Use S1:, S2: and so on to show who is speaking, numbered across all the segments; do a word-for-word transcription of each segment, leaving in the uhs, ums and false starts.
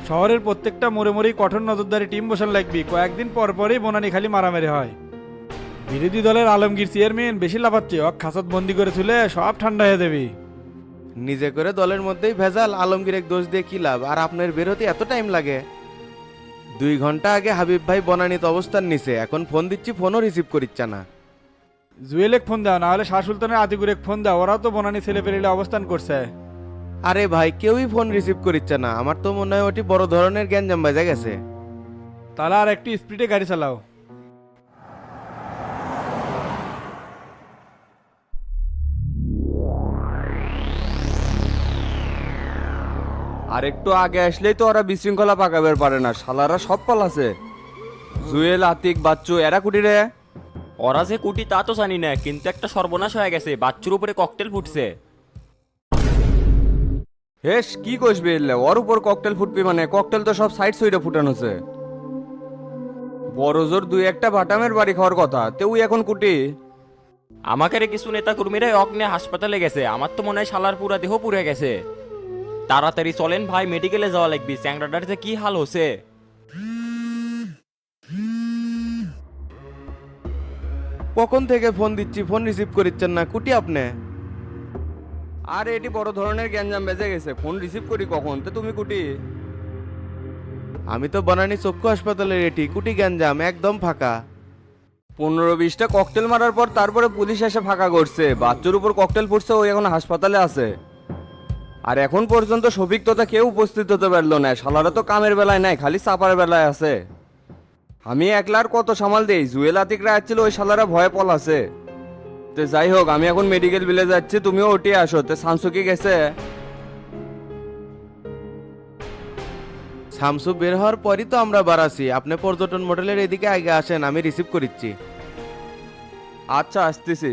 S1: শহরের প্রত্যেকটা মোড়ে মোড়েই কঠোর নজরদারি টিম বসান লাগবি, কয়েকদিন পর পরই বনানি খালি মারামারি হয়। বিরোধী দলের আলমগীর চেয়ারম্যান বেশি লাফাচ্ছে, অক খাসত বন্দি করে তুলে সব ঠান্ডা হয়ে দেবি।
S2: নিজে করে দলের মধ্যেই ভেজাল, আলমগীর এক দোষ দিয়ে কি লাভ? আর আপনার বেরোতে এত টাইম লাগে? দুই ঘন্টা আগে হাবিব ভাই বনানীতে অবস্থান নিছে, এখন ফোন দিচ্ছি ফোনও রিসিভ করিচ্ছে না।
S1: জুয়েলেক ফোন দাও, না হলে শাহ সুলতানের আতিকুরেক ফোন দাও, ওরাও তো বনানি ছেলে পেরিলে অবস্থান করছে।
S2: আরে ভাই কেউই ফোন রিসিভ করিচ্ছে না, আমার তো মনে হয় ওটি বড় ধরনের গ্যাঞ্জাম বাজে গেছে।
S1: তাহলে আর একটু স্পিডে গাড়ি চালাও।
S3: আর একটু আগে আসলেই তো ওরা বিশৃঙ্খলা পাকাবের পারে না, শালারা সব পালাছে। জুয়েল, আতিক, বাচ্চু এরা কুটি রে।
S4: ওরা যে কুটি তা তো জানি না, কিন্তু একটা সর্বনাশ হয়ে গেছে, বাচ্চুর উপরে ককটেল ফুটছে।
S3: হেস কি কইসবে এলে, ওর উপর ককটেল ফুটবি মানে? ককটেল তো সব সাইড সুইডে ফুটানোছে। বড় জোর দুই একটা বাটামের বাড়ি খাওয়ার কথা, তেও এখন কুটি।
S4: আমাকে রে কিছু নেতা কর্মীরা অগ্নে হাসপাতালে গেছে, আমার তো মনে হয় শালার পুরা দেহ পুড়ে গেছে। তাড়াতাড়ি চলেন ভাই, মেডিকেলে যাওয়া লাগবে, চ্যাংড়াটার যে কি হাল হচ্ছে।
S2: কখন থেকে ফোন দিচ্ছি ফোন রিসিভ করিচ্ছেন না, কুটি আপনি?
S3: আর এটি বড় ধরনের গ্যাঞ্জাম বেজে গেছে, ফোন রিসিভ করি কখন, তো তুমি কুটি?
S2: আমি তো বনানী চক্ষু হাসপাতালের, এটি কুটি গ্যাঞ্জাম একদম ফাঁকা।
S3: পনেরো বিশটা ককটেল মারার পর তারপরে পুলিশ এসে ফাঁকা করছে, বাচ্চার উপর ককটেল ফুটছে, ওই এখন হাসপাতালে আছে। আর এখন পর্যন্ত শফিক তোতা কেউ উপস্থিত হতে পারলো না, শালারা তো কামের বেলায় নাই, খালি চাপার বেলায় আছে। আমি একলার কত সামাল দেই, জুয়েল আতিকরা আসছিল, ওই শালারা ভয়ে পলাছে। তো যাই হোক, আমি এখন মেডিকেল বিলে যাচ্ছি, তুমিও ওটি আসো। তো শামসু কি গেছে?
S2: শামসু বের হওয়ার পরই তো আমরা বাড়াছি, আপনি পর্যটন মডেলের এদিকে আগে আসেন, আমি রিসিভ করিচ্ছি।
S3: আচ্ছা আসতেছি।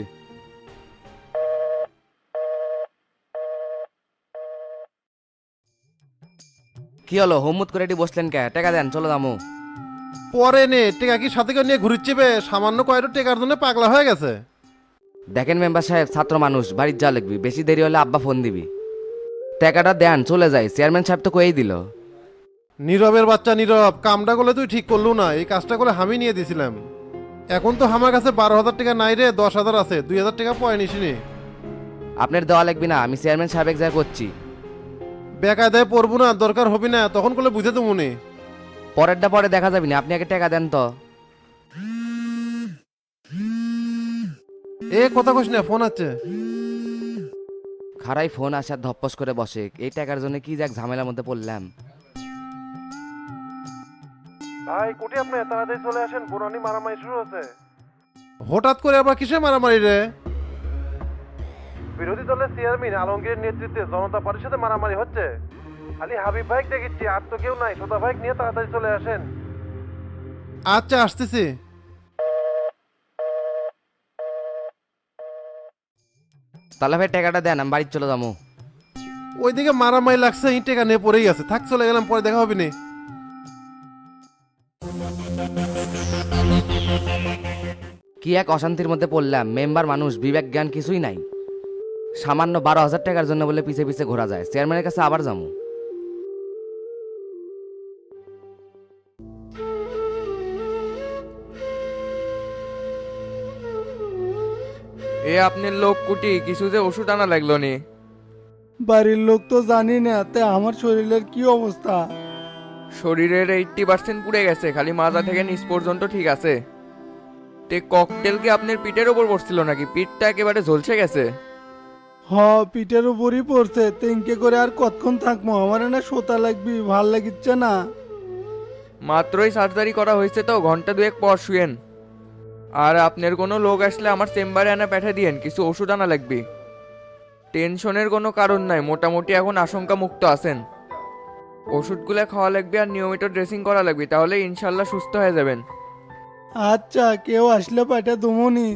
S5: কি হলো, হোমমুত করে এটি বসলেন কে? টাকা দেন, চলো দামু।
S6: পরে নে টেকা কি সাথে করে নিয়ে ঘুরিচ্ছে বে? সামান্য কয়টা টেকার জন্য পাগলা হয়ে গেছে।
S5: দেখেন মেম্বার সাহেব, ছাত্র মানুষ, বাড়ির যা লিখবি, বেশি দেরি হলে আব্বা ফোন দিবি। টাকাটা দেন, চলে যাই, চেয়ারম্যান সাহেব তো কয়েই দিল।
S6: নীরবের বাচ্চা নীরব, কামটা করলে তুই ঠিক করলু না, এই কাজটা করে আমি নিয়ে দিছিলাম। এখন তো আমার কাছে বারো হাজার টাকা নাই রে, দশ হাজার আছে, দুই হাজার টাকা পয় নিসিনি।
S5: আপনার দেওয়া লাগবি না, আমি চেয়ারম্যান সাহেব এক জায়গায় করছি।
S6: বেকায়দায় পড়বো না, দরকার হবি না, তখন করলে বুঝে তো মনে।
S5: পরেরটা পরে দেখা যাবি না, আপনি আগে টাকা দেন তো।
S6: এ কথা কইস না, ফোন আছে।
S5: খারাই ফোন আসার ধপ্পস করে বসে, এই টাকার জন্য কি যাক ঝামেলার মধ্যে পড়লাম।
S6: ভাই কুটি আপনি তাড়াতাড়ি চলে আসেন, পুরানি মারামারি শুরু হচ্ছে। হঠাৎ করে আবার কিসে মারামারি রে? বিরোধী দলের চেয়ারম্যান আলমগীরের নেতৃত্বে জনতা পার্টির সাথে মারামারি হচ্ছে। খালি হাবিব ভাইক দেখেছি, আর তো কেউ নাই। সোদা ভাইক নিয়ে তাড়াতাড়ি চলে আসেন। আচ্ছা আসতেছি।
S5: তাহলে ভাই টাকাটা দেন, আমি বাড়ি চলে যাবো।
S6: ওইদিকে মারামারি লাগছে, ইট টেকা নিয়ে পড়েই আছে, থাক চলে গেলাম, পরে দেখা হবে নি।
S5: কি এক অশান্তির মধ্যে পড়লাম, মেম্বার মানুষ, বিবেক জ্ঞান কিছুই নাই। সামান্য বারো হাজার টাকার জন্য বলে পিছে পিছে ঘোরা যায়, চেয়ারম্যানের কাছে আবার যাবো।
S7: এ আপনার লোক কুটি, কিছু যে ওষুধ আনা লাগলো নি।
S8: বাড়ির লোক তো জানি না, তে আমার শরীরের কি অবস্থা?
S7: শরীরের এইট্টি পার্সেন্ট পুড়ে গেছে, খালি মাজা থেকে নিচ পর্যন্ত ঠিক আছে। তে ককটেল কি আপনার পিঠের ওপর পড়ছিল নাকি? পিঠটা একেবারে ঝলসে গেছে।
S8: হ, পিঠের উপরই পড়ছে, তেঙ্কে করে আর কতক্ষণ থাকবো? আমার না সোতা লাগবি, ভাল লাগিচ্ছে না।
S7: মাত্রই সার্জারি করা হয়েছে তো, ঘন্টা দুয়েক পর শুয়েন। আর আপনার কোনো লোক আসলে আমার চেম্বারে আনা পাঠিয়ে দিয়েন, কিছু ওষুধ আনা লাগবে। টেনশনের কোনো কারণ নাই, মোটামুটি এখন আশঙ্কা মুক্ত আছেন। ওষুধগুলো খাওয়া লাগবে আর নিয়মিত ড্রেসিং করা লাগবে, তাহলে ইনশাল্লাহ সুস্থ হয়ে যাবেন।
S8: আচ্ছা, কেউ আসলে পাঠা দমনি।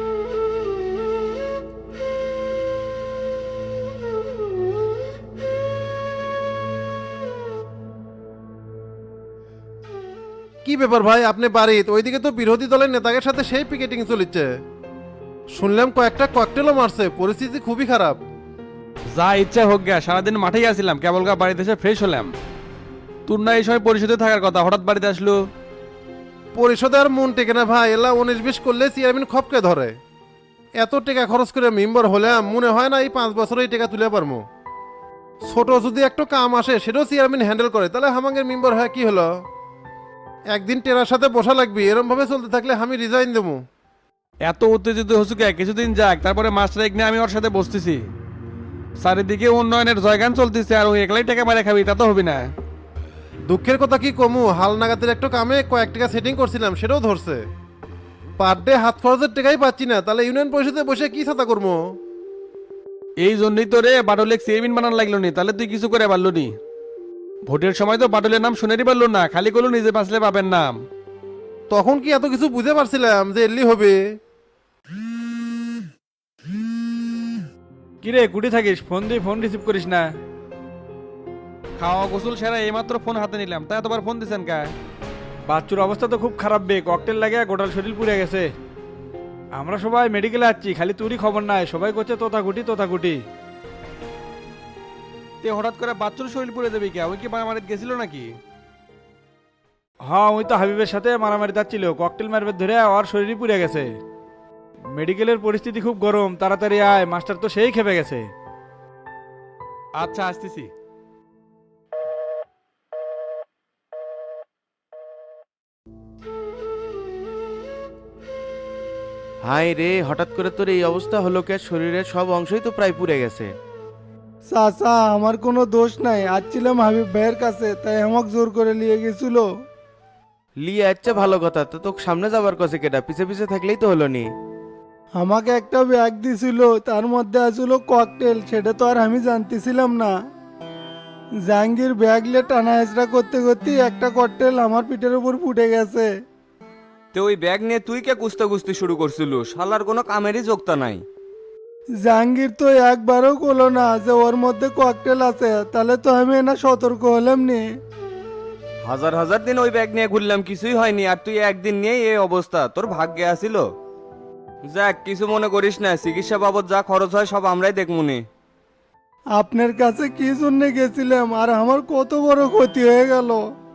S6: কি ব্যাপার ভাই, আপনি বাড়িতে? ওইদিকে তো বিরোধী দলের নেতাদের সাথে সেই পিকেটিং চলছে। শুনলাম কয়েকটা ককটেলও মারছে, পরিস্থিতি খুবই খারাপ।
S9: যা ইচ্ছা হোক গে, সারাদিন মাঠেই আসছিলাম, কেবল গা বাড়িতে এসে ফ্রেশ হলাম। তোর না এই সময় পরিষদে থাকার কথা, হঠাৎ বাড়িতে আসলো?
S6: পরিষদে আর মন টেকে না ভাই, এলা উনিশ বিশ করলে চেয়ারম্যান খপকে ধরে। এত টাকা খরচ করে মেম্বার হলাম, মনে হয় না এই পাঁচ বছরে এই টাকা তুলে পারবো। ছোট যদি একটু কাম আসে সেটাও চেয়ারম্যান হ্যান্ডেল করে, তাহলে আমাদের মেম্বার হয় কি হলো? একদিন টেরার সাথে বসা লাগবে, এরম ভাবে চলতে থাকলে আমি রিজাইন দেবো।
S9: এত উত্তেজিত হচ্ছে কে? কিছুদিন যাক, তারপরে মাস্টার এক নিয়ে আমি ওর সাথে বসতেছি। চারিদিকে উন্নয়নের জয়গান চলতেছে, আর ওই একলাই টাকা মারে খাবি তা তো হবে না।
S6: দুঃখের কথা কি কমু, হাল নাগাদের একটু কামে কয়েক টাকা সেটিং করছিলাম, সেটাও ধরছে। পার ডে হাত খরচের টাকাই পাচ্ছি না, তাহলে ইউনিয়ন পরিষদে বসে কি ছাতা করবো?
S9: এই জন্যই তো রে বাটুলেক চেয়ারম্যান বানান লাগলো নি, তাহলে তুই কিছু করে পারলো নি। ভোটের সময় তো বাটুলের নাম শুনেরই পারলো না, খালি করলো নিজে বাঁচলে পাবেন নাম।
S6: তখন কি এত কিছু বুঝে পারছিলাম যে এলি হবে?
S1: কিরে কুটি থাকিস, ফোন দিয়ে ফোন রিসিভ করিস না?
S9: খাওয়া গোসল সেরা এইমাত্র ফোন হাতে নিলাম, তা এতবার ফোন দিছেন কা?
S1: বাচ্চুর অবস্থা তো খুব খারাপ বে, ককটেল লাগে গোটাল শরীর পুড়ে গেছে। আমরা সবাই মেডিকেলে আসছি, খালি তুরই খবর নাই, সবাই করছে তোতাকুটি তোতাকুটি।
S9: তে হঠাৎ করে বাচ্চুর শরীর পুড়ে দেবে কে? ওই কি মারামারিত গেছিল নাকি?
S1: হ্যাঁ ওই তো হাবিবের সাথে মারামারি যাচ্ছিল, ককটেল মারবে ধরে ওর শরীরই পুড়ে গেছে। মেডিকেলের পরিস্থিতি খুব গরম, তাড়াতাড়ি আয়, মাস্টার তো সেই খেপে গেছে।
S9: আচ্ছা আসতেছি।
S2: হাই রে, হঠাৎ করে তোর এই অবস্থা হলো কে? শরীরের সব অংশই তো প্রায় পুড়ে গেছে।
S8: চাচা আমার কোনো দোষ নাই, আসছিলাম হাবিব ভাইয়ের কাছে, তাই আমাকে জোর করে নিয়ে গেছিল।
S2: লিয়ে আচ্ছা ভালো কথা, তো তোকে সামনে যাবার কাছে কেটা, পিছে পিছে থাকলেই তো হলো নি।
S8: আমাকে একটা ব্যাগ দিছিল, তার মধ্যে আসছিল ককটেল, সেটা তো আর আমি জানতেছিলাম না। জাহাঙ্গীর ব্যাগলে টানা হেঁচড়া করতে করতে একটা ককটেল আমার পিঠের উপর ফুটে গেছে।
S3: তো ওই ব্যাগ নিয়ে তুই কে কুস্তে কুস্তি শুরু করছিল? শালার কোনো কামেরই যোগতা নাই।
S8: জাহাঙ্গীর তো একবারও করলো না যে ওর মধ্যে ককটেল আছে, তাহলে তো আমি না সতর্ক হলাম নি।
S3: হাজার হাজার দিন ওই ব্যাগ নিয়ে ঘুরলাম, কিছুই হয়নি, আর তুই একদিন নিয়েই এই অবস্থা। তোর ভাগ্যে আসিল। যাক, কিছু মনে করিস না, চিকিৎসা বাবদ যা খরচ হয় সব আমরাই দেখমুনি।
S8: আপনার কাছে কি জন্য গেছিলাম, আর আমার কত বড় ক্ষতি হয়ে গেল।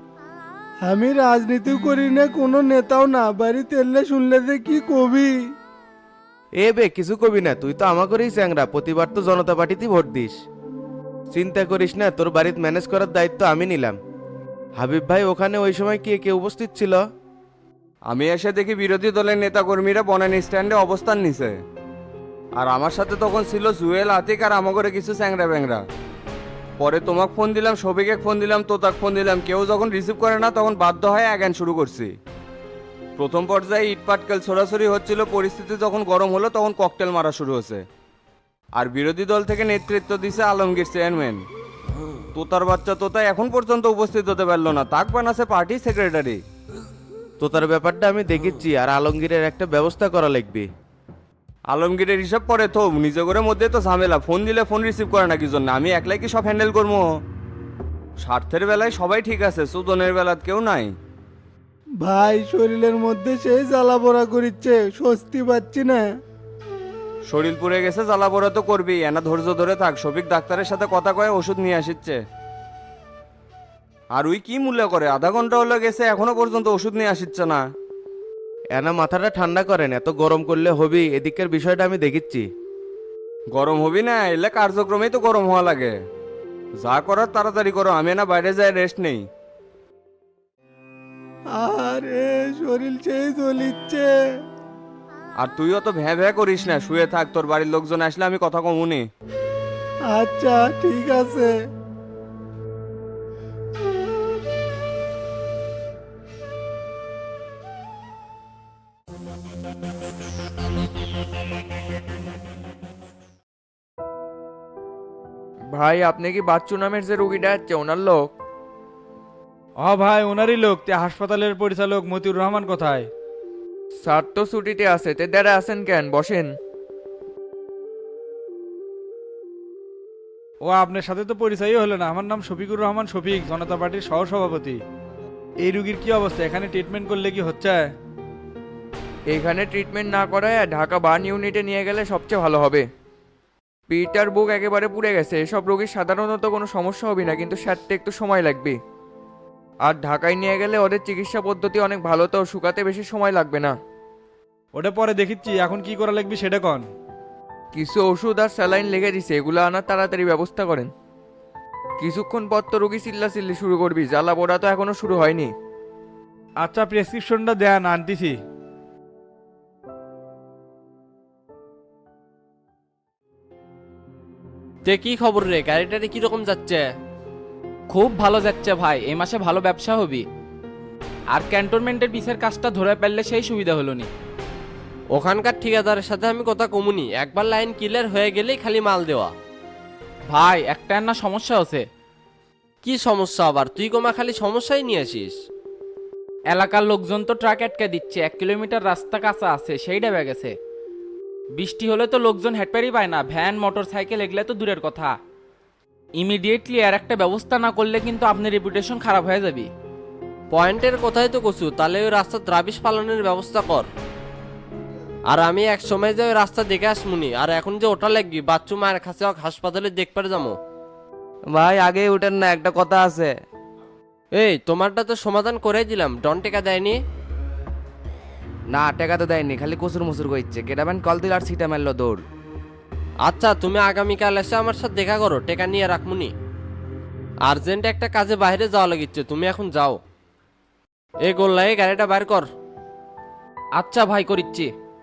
S8: আমি রাজনীতি করি না, কোনো নেতাও না, বাড়িতে এলে শুনলে যে কি কবি।
S2: এ বে কিছু কবি না, তুই তো আমাকেই চ্যাংরা, প্রতিবার তো জনতা পার্টিতেই ভোট দিস। চিন্তা করিস না, তোর বাড়িতে ম্যানেজ করার দায়িত্ব আমি নিলাম। হাবিব ভাই ওখানে ওই সময় কি কে উপস্থিত ছিল?
S3: আমি এসে দেখি বিরোধী দলের নেতাকর্মীরা বনানী স্ট্যান্ডে অবস্থান নিছে, আর আমার সাথে তখন ছিল জুয়েল, আতিক আর আমাগরে কিছু চ্যাংরা ব্যাংরা। পরে তোমাকে ফোন দিলাম, সবিকে ফোন দিলাম, তোতাক ফোন দিলাম, কেউ যখন রিসিভ করে না তখন বাধ্য হয়ে অ্যাগান শুরু করছি। প্রথম পর্যায়ে ইট পাটকেল ছোড়াছড়ি হচ্ছিল, পরিস্থিতি যখন গরম হলো তখন ককটেল মারা শুরু হয়েছে। আর বিরোধী দল থেকে নেতৃত্ব দিছে আলমগীর চেয়ারম্যান। তোতার বাচ্চা তোতা এখন পর্যন্ত উপস্থিত হতে পারলো না, তাক বানাছে পার্টি সেক্রেটারি।
S2: তোতার ব্যাপারটা আমি দেখেছি, আর আলমগীরের একটা ব্যবস্থা করা লাগবে।
S3: আলমগীরের হিসাব পরে তো নিজে করে মধ্যে তো ঝামেলা, ফোন দিলে ফোন রিসিভ করে না কি জন্য? আমি একলাই কি সব হ্যান্ডেল করবো? স্বার্থের বেলায় সবাই ঠিক আছে, সুদনের বেলাত কেউ নাই।
S8: ভাই শরীরের মধ্যে সেই জ্বালা পোড়া করিচ্ছে, স্বস্তি পাচ্ছি না।
S3: শরীর পুড়ে গেছে, জ্বালা পোড়া তো করবি, এনা ধৈর্য ধরে থাক। শফিক ডাক্তারের সাথে কথা কয়ে ওষুধ নিয়ে আসিচ্ছে। আর ওই কি মূল্য করে, আধা ঘন্টা হলো গেছে এখনো পর্যন্ত ওষুধ নিয়ে আসিচ্ছে না।
S2: এনা মাথাটা ঠান্ডা করেন, এত গরম করলে হবি, এদিকের বিষয়টা আমি দেখিচ্ছি।
S3: গরম হবি না, এলে কার্যক্রমেই তো গরম হওয়া লাগে। যা করার তাড়াতাড়ি করো, আমি না বাইরে যাই রেস্ট নেই।
S8: আরে শরীর সেই জ্বলিচ্ছে।
S3: আর তুইও তো ভ্যা ভ্যা করিস না, শুয়ে থাক, তোর বাড়ির লোকজন আসলে আমি কথা কমুনি।
S8: আচ্ছা ঠিক আছে।
S7: ভাই আপনি কি বাচ্চু নামের যে রুগীটা আছে ওনার লোক?
S1: হ ভাই ওনারই লোক। তে হাসপাতালের পরিচালক মতিউর রহমান কোথায়?
S7: স্যার তো ছুটিতে আছে, তে দাঁড়া আছেন কেন, বসেন।
S1: ও আপনার সাথে তো পরিচয়ই হলো না। আমার নাম শফিকুর রহমান শফিক, জনতা পার্টির সহসভাপতি। এই রুগীর কি অবস্থা? এখানে ট্রিটমেন্ট করলে কি হচ্ছে?
S7: এইখানে ট্রিটমেন্ট না করায় ঢাকা বার্ন ইউনিটে নিয়ে গেলে সবচেয়ে ভালো হবে। পিটার বুক একেবারে পুড়ে গেছে, এসব রোগীর সাধারণত কোনো সমস্যা হবে না, কিন্তু সারতে একটু সময় লাগবে। আর ঢাকায় নিয়ে গেলে ওদের চিকিৎসা পদ্ধতি অনেক ভালো, তো শুকাতে বেশি সময় লাগবে না।
S1: ওটা পরে দেখিচ্ছি, এখন কি করা লাগবে সেটা কন।
S7: কিছু ওষুধ আর স্যালাইন লেগে দিছে, এগুলো আনার তাড়াতাড়ি ব্যবস্থা করেন। কিছুক্ষণ পর তো রুগী চিল্লা চিল্লি শুরু করবি, জ্বালা পোড়া তো এখনো শুরু হয়নি।
S1: আচ্ছা প্রেসক্রিপশনটা দেন, আনতেছি।
S10: তে কি খবর রে, গাড়িটারে কিরকম যাচ্ছে?
S11: খুব ভালো যাচ্ছে ভাই, এই মাসে ভালো ব্যবসা হবি। আর ক্যান্টনমেন্টের পিসের কাজটা ধরে পেলে সেই সুবিধা হলো নি।
S10: ওখানকার ঠিকাদারের সাথে আমি কথা কমুনি, একবার লাইন ক্লিয়ার হয়ে গেলেই খালি মাল দেওয়া।
S11: ভাই একটা না সমস্যা আছে।
S10: কি সমস্যা আবার? তুই কমা খালি সমস্যাই নিয়ে আসিস।
S11: এলাকার লোকজন তো ট্রাক আটকে দিচ্ছে, এক কিলোমিটার রাস্তা কাঁচা আছে, সেই ডেবে গেছে। বৃষ্টি হলে তো লোকজন হেঁটপারি পায় না, ভ্যান মোটর সাইকেল এগুলো তো দূরের কথা। ইমিডিয়েটলি আর একটা ব্যবস্থা না করলে কিন্তু আপনার রেপুটেশন খারাপ হয়ে যাবে।
S10: পয়েন্টের কথাই তো কছু, তাহলে ওই রাস্তার দ্রাবিশ পালনের ব্যবস্থা কর। আর আমি এক সময় যে ওই রাস্তা দেখে আসমুনি, আর এখন যে ওটা লাগবি বাচ্চু মায়ের কাছে হাসপাতালে দেখতে যাবো।
S5: ভাই আগে উঠেন না, একটা কথা আছে।
S10: এই তোমারটা তো সমাধান করে দিলাম, ডন টেকা দেয়নি?
S5: না টাকা তো দেয়নি, খালি কসুর মুসুর করছে। কেটাবেন কল দিল আর সিটা মারলো দৌড়।
S10: আচ্ছা তুমি আগামীকাল এসে আমার সাথে দেখা করো, টেকা নিয়ে রাখমুনি। আর্জেন্ট একটা কাজে বাইরে যাওয়া লাগিচ্ছে, তুমি এখন যাও। এই গোল্লাই গাড়িটা বাইর কর।
S11: আচ্ছা ভাই, করিচ্ছি।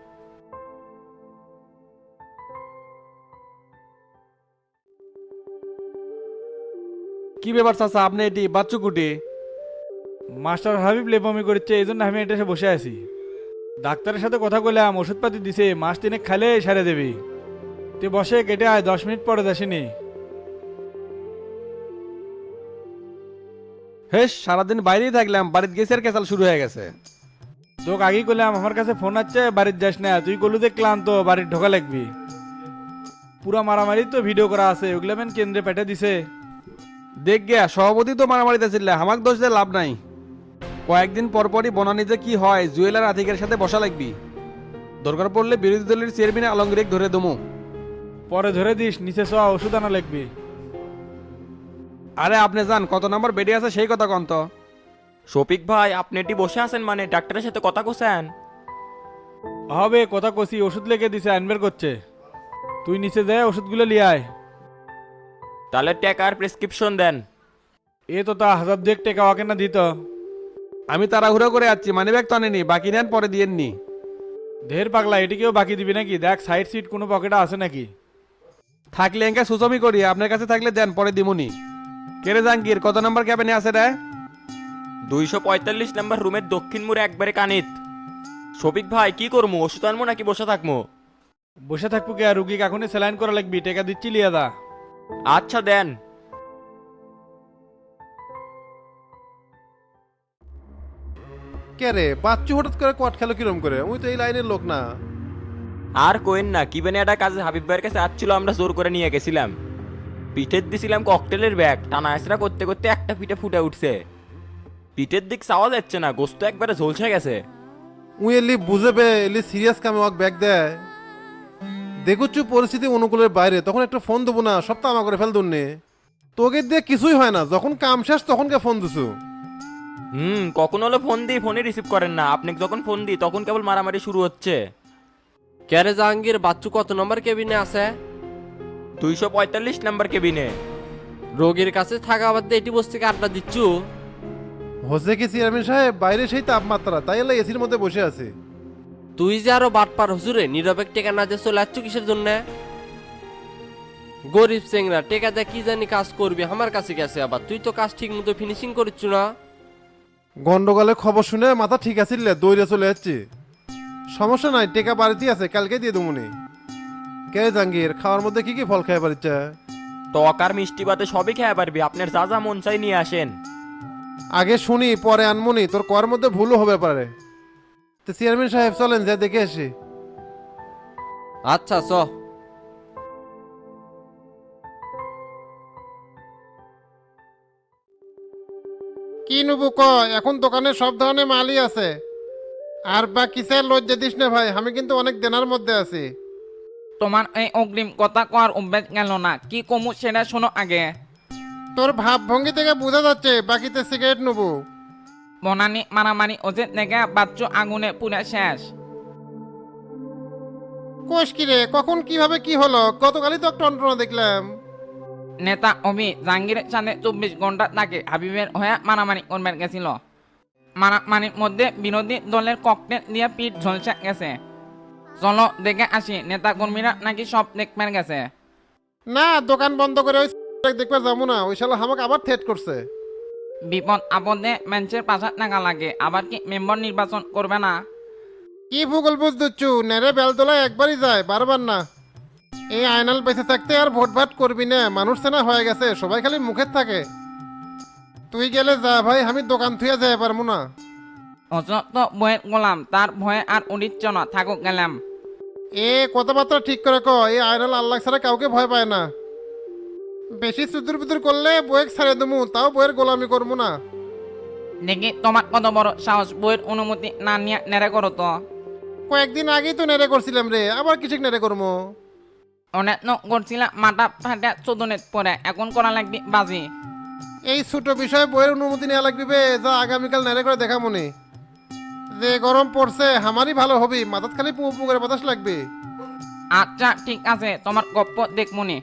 S9: কি ব্যাপার চাচা, আপনি এটি বাচ্চু কুটি?
S1: মাস্টার হাবিব লেপমি করছে, এই জন্য আমি এটা এসে বসে আছি। ডাক্তারের সাথে কথা বললাম, ওষুধপাতি দিছে, মাস তিনেক খালে সারে দেবি। তুই বসে কেটে আয়, দশ মিনিট পরে যাসিনি।
S9: হেস, সারাদিন বাইরেই থাকলাম, বাড়িতে গেছে আর কেসাল শুরু হয়ে গেছে।
S1: তোকে আগেই করলাম আমার কাছে ফোন আছে, বাড়ির যাস না। তুই কলু যে ক্লান্ত, বাড়ির ঢোকা লাগবি। পুরা মারামারি তো ভিডিও করা আছে, ওগুলো মেন কেন্দ্রে পেটে দিছে।
S9: দেখ গিয়া সভাপতি তো মারামারিতে ছিল, আমাকে দোষ দিয়ে লাভ নাই। কয়েকদিন পর পরই বনানি যে কি হয়, জুয়েলার আতিকের সাথে বসা লাগবি। দরকার পড়লে বিরোধী দলের চেয়ারম্যান আলমগীর ধরে দমু।
S1: পরে ধরে দিস, নিচে চ, ওষুধ আনা লাগবি।
S9: আরে আপনি যান, কত নাম্বার বেডে আছে সেই কথা কন তো।
S4: শফিক ভাই আপনি এটি বসে আছেন মানে ডাক্তারের সাথে কথা কোসেন?
S1: হবে কথা কষি, ওষুধ লেগে দিছে, আনবের করছে। তুই নিচে যায় ওষুধগুলো লিয়ে আয়।
S4: তাহলে টাকার প্রেসক্রিপশন দেন।
S1: এ তো তা হাজার দুয়েক টাকা ওকে না দিত।
S9: আমি তাড়াহুড়ো করে যাচ্ছি, মানি ব্যাগ তো আনেনি, বাকি নেন পরে দিয়েননি।
S1: ঢের পাগলা, এটিকেও বাকি দিবি নাকি? দেখ সাইড সিট কোনো পকেটে আছে নাকি।
S9: থাকলে এঙ্কা সুচমি করি, আপনার কাছে থাকলে দেন, পরে দিমুনি। কেরে জাঙ্গির কত নাম্বার ক্যাবিনে আছে রে?
S4: দুইশো পঁয়তাল্লিশ নাম্বার রুমের দক্ষিণ মুড়ে একবারে কানিত। শফিক ভাই কি করবো, ওষুধ আনবো নাকি বসে থাকবো?
S1: বসে থাকবো কে, রুগীকে এখনই স্যালাইন করা লাগবি, টাকা দিচ্ছি লিয়া দা।
S4: আচ্ছা দেন।
S6: কে রে বাচ্চু হঠাৎ করে কট খেলো কিরম করে? ওই তো এই লাইনের লোক না।
S4: আর কোয়েন না, কি বেনে একটা কাজে হাবিব ভাইয়ের কাছে আসছিল, আমরা জোর করে নিয়ে গেছিলাম। পিঠের দিছিলাম ককটেলের ব্যাগ, টানা আইসরা করতে করতে একটা পিঠে ফুটে উঠছে। পিঠের দিক চাওয়া যাচ্ছে না, গোস্ত একবারে ঝলসে গেছে।
S6: উই এলি বুঝেবে, এলি সিরিয়াস কামে ওয়াক ব্যাগ দেয়। দেখুচ্ছু পরিস্থিতি অনুকূলের বাইরে, তখন একটা ফোন দেবো না, সব তো আমা করে ফেল দুননি। তোকে দিয়ে কিছুই হয় না, যখন কাম শেষ তখনকে ফোন দিছু।
S4: হুম, কখন হলো ফোন দিই, ফোনে রিসিভ করেন না। আপনি যখন ফোন দিই তখন কেবল মারামারি শুরু হচ্ছে।
S10: ক্যারে জাহাঙ্গীর, বাচ্চু কত নম্বর কেবিনে আছে?
S4: দুইশো পঁয়তাল্লিশ নাম্বার কেবিনে।
S10: রোগীর কাছে থাকা বাদ দিয়ে এটি বসে থেকে আড্ডা দিচ্ছু?
S6: হচ্ছে কি চেয়ারম্যান সাহেব, বাইরে সেই তাপমাত্রা, তাই এলা এসির মধ্যে বসে আছে।
S10: তুই যে আরো বাটপার হুজুরে, নিরপেক্ষ টেকা না দিয়ে চলে আসছো কিসের জন্য? গরিব চেংরা টেকা দেয় কি জানি কাজ করবি, আমার কাছে গেছে আবার। তুই তো কাজ ঠিক মতো ফিনিশিং করিচ্ছ না।
S6: গন্ডগোলে খবর শুনে মাথা ঠিক আছে, দৌড়ে চলে যাচ্ছে। সমস্যা নাই, টেকা বাড়িতে আছে, কালকে দিয়ে দেবনি। কে জাঙ্গির, খাওয়ার মধ্যে কি কি ফল খাই পারিচ্ছে?
S4: টক আর মিষ্টি বাদে সবই খেয়ে পারবি, আপনার যা যা মন চাই নিয়ে আসেন।
S6: আগে শুনি পরে আনমনি, তোর কর মধ্যে ভুলও হবে পারে। তো চেয়ারম্যান সাহেব চলেন যা দেখে আসি।
S10: আচ্ছা চ।
S6: কি নেবো ক, এখন দোকানে সব ধরনের মালই আছে। আর বা কিসের লজ্জা দিস না ভাই, আমি কিন্তু অনেক দেনার মধ্যে আছি।
S11: তোমার এই অগ্রিম কথা কর অভ্যাস গেল না, কি কমু সেটা শোনো আগে।
S6: তোর ভাবভঙ্গি থেকে বোঝা যাচ্ছে বাকিতে সিগারেট নেবো।
S11: বনানি মারামারি ওজে থেকে বাচ্চু আগুনে পুরে শেষ।
S6: কোষ কি রে, কখন কিভাবে কি হলো? গতকালই তো একটা টন্টনা দেখলাম।
S11: নেতা অভি জাহাঙ্গীরের সাথে চব্বিশ ঘন্টা তাকে হাবিবের হয়ে মারামারি করবার গেছিল। মারামারির মধ্যে বিরোধী দলের ককটেল দিয়ে পিঠ ঝলসে গেছে। চলো দেখে আসি, নেতা কর্মীরা নাকি সব দেখবার গেছে।
S6: না, দোকান বন্ধ করে ওই দেখবার যাবো না, ওই শালা আমাকে আবার থ্রেট করছে।
S11: বিপদ আপদে মানুষের পাশা টাকা লাগে, আবার কি মেম্বার নির্বাচন করবে না?
S6: কি ভূগোল বুঝ দিচ্ছু, নেড়ে বেলতলায় একবারই যায়, বারবার না। এই আয়নাল বেঁচে থাকতে আর ভোট ভাট করবি না, মানুষ সেনা হয়ে গেছে, সবাই খালি মুখের থাকে। তুই গেলে যা ভাই, আমি দোকান থুয়ে যাই পারবো না।
S11: অযত বইয়ের গোলাম, তার ভয়ে আর উড়িচ্ছ না, থাকুক গেলাম।
S6: এ কথাবার্তা ঠিক করে ক, এই আয়নাল আল্লাহ ছাড়া কাউকে ভয় পায় না। বেশি চুদুর বুদুর করলে বইয়ের ছাড়ে দেবো, তাও বইয়ের গোলামি করবো না।
S11: দেখি তোমার কত বড় সাহস, বইয়ের অনুমতি না নিয়ে নেড়ে করো তো।
S6: কয়েকদিন আগেই তো নেড়ে করছিলাম রে, আবার কিছু নেড়ে করবো।
S11: অনেক করছিলাম মাথা ফাটে চোদনের পরে, এখন করা লাগবে বাজি।
S6: এই ছোট বিষয়ে বইয়ের অনুমতি নেওয়া লাগবে, যা আগামীকাল নেড়ে করে দেখা মনে। যে গরম পড়ছে আমারই ভালো হবি, মাথাত খালি পু পু করে বাতাস লাগবে।
S11: আচ্ছা ঠিক আছে, তোমার গপ্প দেখমনি।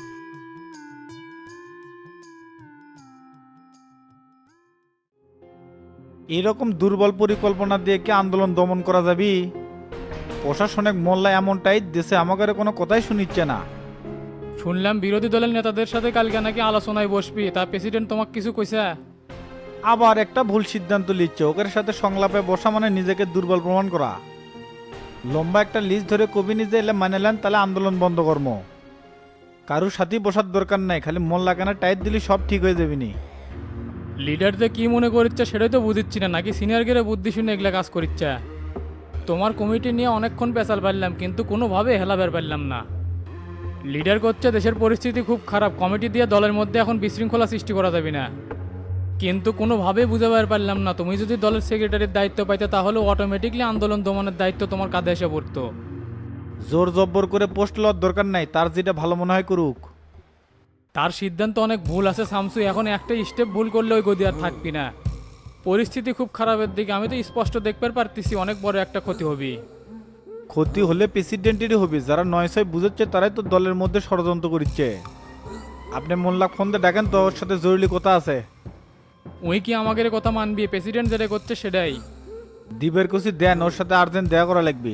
S1: এরকম দুর্বল পরিকল্পনা দিয়ে কি আন্দোলন দমন করা যাবে? প্রশাসনিক মোল্লা এমনটাই দেশে আমাদের কোনো কথাই শুনিচ্ছে না।
S12: শুনলাম বিরোধী দলের নেতাদের সাথে কালকে নাকি আলোচনায় বসবি, তা প্রেসিডেন্ট তোমাকে কিছু কইছে?
S1: আবার একটা ভুল সিদ্ধান্ত নিচ্ছে, ওদের সাথে সংলাপে বসা মানে নিজেকে দুর্বল প্রমাণ করা। লম্বা একটা লিস্ট ধরে কবি নিজে এলে মানে নেন, তাহলে আন্দোলন বন্ধ কর্ম। কারুর সাথেই বসার দরকার নাই, খালি মোল্লা কেনা টাইট দিলে সব ঠিক হয়ে যাবে নি।
S12: লিডার যে কি মনে করছে সেটাই তো বুঝিচ্ছি না, নাকি সিনিয়র গেলে বুদ্ধি শুনে এগুলা কাজ করিচ্ছে? তোমার কমিটি নিয়ে অনেকক্ষণ পেশাল পারলাম, কিন্তু কোনোভাবে হেলাবের পারলাম না। লিডার করছে দেশের পরিস্থিতি খুব খারাপ, কমিটি দিয়ে দলের মধ্যে এখন বিশৃঙ্খলা সৃষ্টি করা যাবে না, কিন্তু কোনোভাবেই বুঝাবার পারলাম না। তুমি যদি দলের সেক্রেটারির দায়িত্ব পাইতে তাহলে অটোমেটিকলি আন্দোলন দমনের দায়িত্ব তোমার কাঁধে এসে পড়তো।
S1: জোর জব্বর করে পোস্ট লওয়ার দরকার নাই, তার যেটা ভালো মনে হয় করুক।
S12: তার সিদ্ধান্ত অনেক ভুল আছে শামসু, এখন একটা স্টেপ ভুল করলে ওই গদি আর থাকবি না। পরিস্থিতি খুব খারাপের দিকে, আমি তো স্পষ্ট দেখতে পারতেছি অনেক বড় একটা ক্ষতি হবে।
S1: ক্ষতি হলে প্রেসিডেন্টেরই হবে, যারা নয় ছয় বুঝাচ্ছে তারাই তো দলের মধ্যে ষড়যন্ত্র করছে। আপনি মোল্লা ফোন দিয়ে ডাকেন তো, ওর সাথে জরুরি কথা আছে।
S12: ওই কি আমাদের কথা মানবি? প্রেসিডেন্ট যেটা করছে সেটাই।
S1: দিবের কুচি দেন, ওর সাথে আর্জেন্ট দেখা করা লাগবে।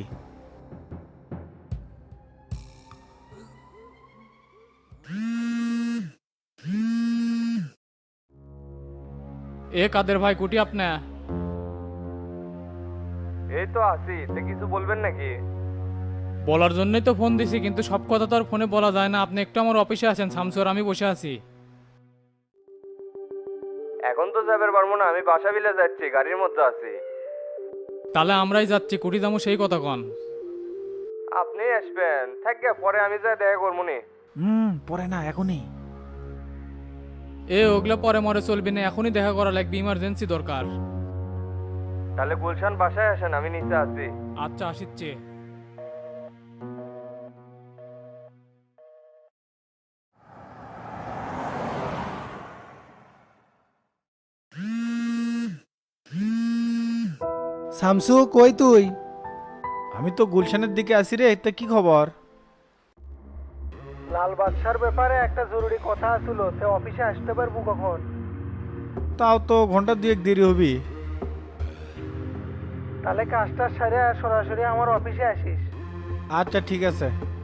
S12: এ কাদের ভাই কুটি আপনা?
S3: এই তো আছি, তে কিছু বলবেন নাকি?
S12: বলার জন্যই তো ফোন দিছি, কিন্তু সব কথা তো আর ফোনে বলা যায় না। আপনি একটু আমার অফিসে আছেন, শামসু আর আমি বসে আছি।
S3: এখন তো যাবার পারবো না, আমি বাসা বিলে যাচ্ছি, গাড়ির মধ্যে আছি।
S12: তাহলে আমরাই যাচ্ছি, কুটি যাবো সেই কথা কন।
S3: আপনি আসবেন থাকে, পরে আমি যা দেখা করবো নি।
S1: হুম, পরে না, এখনই।
S12: এ ওগুলা পরে মরে চলবি না, এখনই দেখা করা লাগবে, ইমার্জেন্সি দরকার।
S3: তাহলে গুলশান বাসায় আসেন, আমি নিচে আছি।
S12: আচ্ছা আসিচ্ছে।
S8: শামসু কই তুই?
S1: আমি তো গুলশানের দিকে আসি রে, তা কি খবর?
S8: লাল বাদশার ব্যাপারে একটা জরুরি কথা ছিল, সে অফিসে আসতে পারবো কখন?
S1: তাও তো ঘন্টা দুয়েক দেরি হবি।
S8: তাহলে কাজটা সেরে সরাসরি আমার অফিসে আসিস।
S1: আচ্ছা ঠিক আছে।